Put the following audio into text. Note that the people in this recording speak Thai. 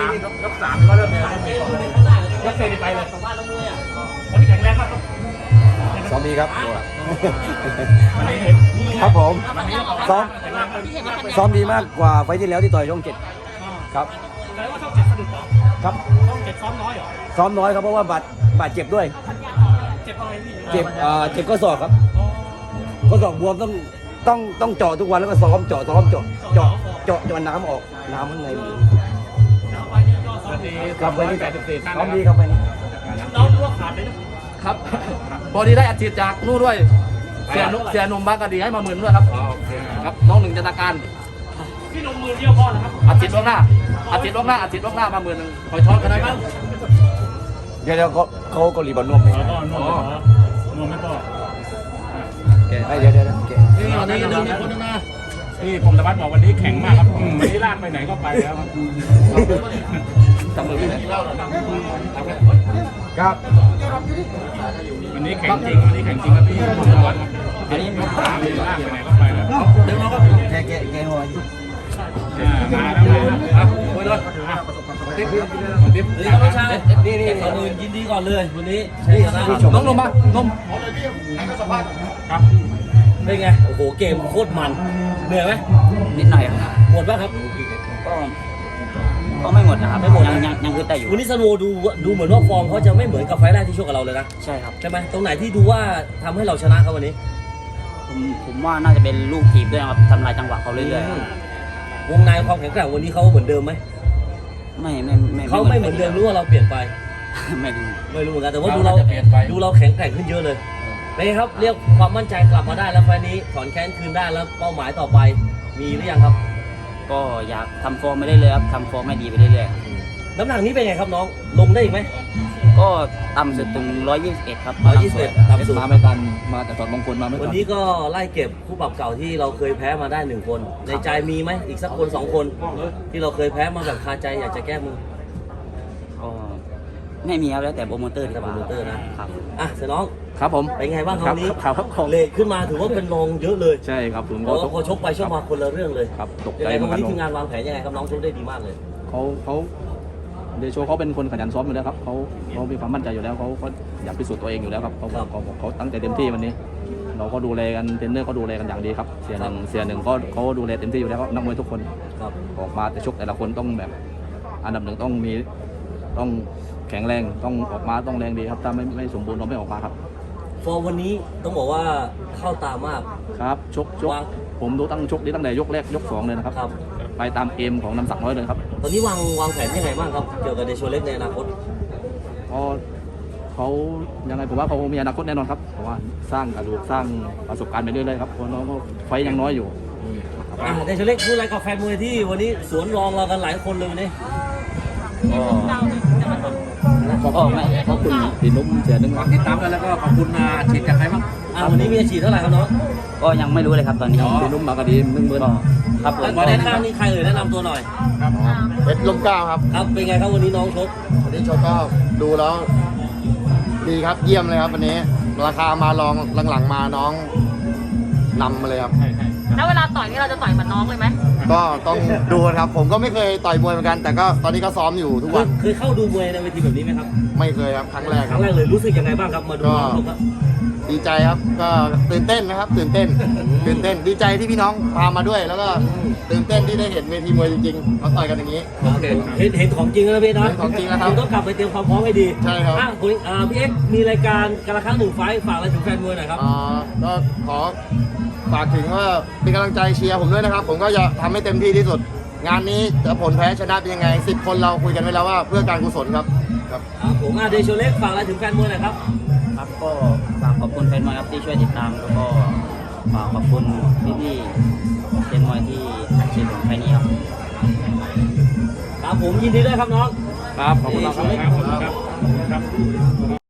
ยกสามก็เริ่มเลยยกเซนไปเลยวันนี้แข็งแรงมากครับซ้อมดีครับครับผมซ้อมดีมากกว่าไฟที่แล้วที่ต่อยช่อง7ครับแล้วว่าช่อง7สะดุดเหรอครับช่อง7ซ้อมน้อยเหรอซ้อมน้อยครับเพราะว่าบาดเจ็บด้วยเจ็บอะไรพี่เจ็บก็ศอกครับก็ศอกบวมต้องเจาะทุกวันแล้วก็ซ้อมเจาะน้ำออกน้ำข้างในครับไปนี่ซ้อมดีครับไปนี่น้องรู้ว่าขาดเลยนะครับพอดีได้อัดฉีดจากนู่นด้วยเสียหนุ่มบางกะดีให้มา10,000ด้วยครับครับน้องหนึ่งจันทการพี่นมมือเดียวพอนะครับอัดฉีดล่วงหน้ามา10,000คอยช้อนกันได้ไหมเดี๋ยวเขาก็รีบนวมไปนวมไม่พอเดี๋ยวนี่วันนี้ยังมีคนนึงนะพี่พงศวัฒน์บอกวันนี้แข็งมากครับวันนี้ลากไปไหนก็ไปแล้วครับจำมือพี่ครับวันนี้แข็งจริงครับพี่พงศวัฒน์อันนี้ลากไปไหนก็ไปแล้วเดี๋ยวเราก็แกหัวมาแล้วครับคุยเลยติ๊บนี่น้องชายนี่ก่อนอื่นยินดีก่อนเลยวันนี้น้องนมมานมครับเป็นไงโอ้โหเกมโคตรมันเหนื่อยไหมนิดหน่อยครับหมดป่ะครับก็ไม่หมดนะครับไม่หมดยังคือแต่อยู่วันนี้ซันโวดูเหมือนว่าฟอร์มเขาจะไม่เหมือนกับไฟล์แรกที่ชกกับเราเลยนะใช่ครับใช่ไหมตรงไหนที่ดูว่าทำให้เราชนะเขาวันนี้ผมว่าน่าจะเป็นลูกทีบด้วยครับทำลายจังหวะเขาเรื่อยๆวงในความแข็งแกร่งวันนี้เขาเหมือนเดิมไหมไม่เขาไม่เหมือนเดิมรู้ว่าเราเปลี่ยนไปไม่รู้เหมือนกันแต่ว่าดูเราแข็งแกร่งขึ้นเยอะเลยนะครับเรียกความมั่นใจกลับมาได้แล้วไฟล์นี้ถอนแค้นคืนได้แล้วเป้าหมายต่อไปมีหรือยังครับก็อยากทำฟอร์มไม่ได้เลยครับทำฟอร์มไม่ดีไปเรื่อยๆน้ำหนักนี้เป็นไงครับน้องลงได้อีกไหมก็ต่ำสุดถึง121ครับ 121ต่ำสุดมาไม่กันมาแต่ตอนมงคลมาไม่วันนี้ก็ไล่เก็บคู่ปรับเก่าที่เราเคยแพ้มาได้1คนในใจมีไหมอีกสักคน2คนที่เราเคยแพ้มาแบบคาใจอยากจะแก้มือก็ไม่มีครับแล้วแต่โปรโมเตอร์นะครับเสน้องครับผมเป็นไงบ้างคราวนี้ครับเลทขึ้นมาถือว่าเป็นรองเยอะเลยใช่ครับผมก็พอชกไปชกมาคนละเรื่องเลยครับตกใจวันนี้ทีมงานวางแผนยังไงครับน้องชกได้ดีมากเลยเขาเดโชเขาเป็นคนขยันซ้อมอยู่แล้วครับเขามีความมั่นใจอยู่แล้วเขาอยากพิสูจน์ตัวเองอยู่แล้วครับเขาตั้งใจเต็มที่วันนี้เราก็ดูแลกันเทรนเนอร์ก็ดูแลกันอย่างดีครับเสียหนึ่งเขาดูแลเต็มที่อยู่แล้วนักมวยทุกคนออกมาแต่ชกแต่ละคนต้องแบบอันดับหนึ่งต้องแข็งแรงต้องออกมาต้องแรงดีครับถ้าไม่สมบูรณ์เราไม่ออกมาครับฟอร์มวันนี้ต้องบอกว่าเข้าตามากครับชกผมดูตั้งแต่ยกแรกยก2เลยนะครับไปตามเกมของน้ำสักน้อยเลยครับตอนนี้วางแผนยังไงบ้างครับเกี่ยวกับเดโชเล็กในอนาคตเขายังไงผมว่าเขามีอนาคตแน่นอนครับเพราะว่าสร้างกระดูกสร้างประสบการณ์ไปเรื่อยๆครับเพราะน้องก็ไฟยังน้อยอยู่เดโชเล็กพูดอะไรกับแฟนมวยที่วันนี้สวนรองเรากันหลายคนเลยวันนี้ขอบคุณพี่นุ่มเสียหนึ่งที่ตามกันแล้วก็ขอบคุณฉีดจากใครบ้างวันนี้มีฉีดเท่าไหร่ครับน้องก็ยังไม่รู้เลยครับตอนนี้พี่นุ่มมากระดี10,000 ครับมาแนะนำนี่ใครแนะนำตัวหน่อยเพชรลมเกล้าครับครับเป็นไงครับวันนี้น้องชกวันนี้ชกก็ดูแล้วดีครับเยี่ยมเลยครับวันนี้ราคามาลองหลังๆมาน้องนำมาเลยครับแล้วเวลาต่อยนี่เราจะต่อยเหมือนน้องเลยไหมก็ต้องดูครับผมก็ไม่เคยต่อยมวยเหมือนกันแต่ก็ตอนนี้ก็ซ้อมอยู่ทุกวันเคยเข้าดูมวยในเวทีแบบนี้ไหมครับไม่เคยครับครั้งแรกเลยรู้สึกยังไงบ้างครับมาดูครับดีใจครับก็ตื่นเต้นนะครับตื่นเต้นดีใจที่พี่น้องพามาด้วยแล้วก็ตื่นเต้นที่ได้เห็นเวทีมวยจริงๆเขาต่อยกันอย่างนี้เห็นของจริงแล้วพี่นะของจริงแล้วครับต้องกลับไปเตรียมความพร้อมให้ดีใช่ครับพี่เอ็กมีรายการการละครั้ง1ไฟล์ฝากอะไรถึงแฟนมวยหน่อยครับก็ขอฝากถึงว่าเป็นกำลังใจเชียร์ผมด้วยนะครับผมก็จะทำให้เต็มที่ที่สุดงานนี้จะผลแพ้ชนะเป็นยังไง10 คนเราคุยกันไว้แล้วว่าเพื่อการกุศลครับผมเดโชเล็กฝากอะไรถึงแฟนมวยหน่อยครับครับก็ฝากขอบคุณแฟนมวยครับที่ช่วยติดตามแล้วก็ฝากขอบคุณพี่ๆแฟนมวยที่อัดฉีดผมแค่นี้ครับผมยินดีด้วยครับน้องครับขอบคุณครับ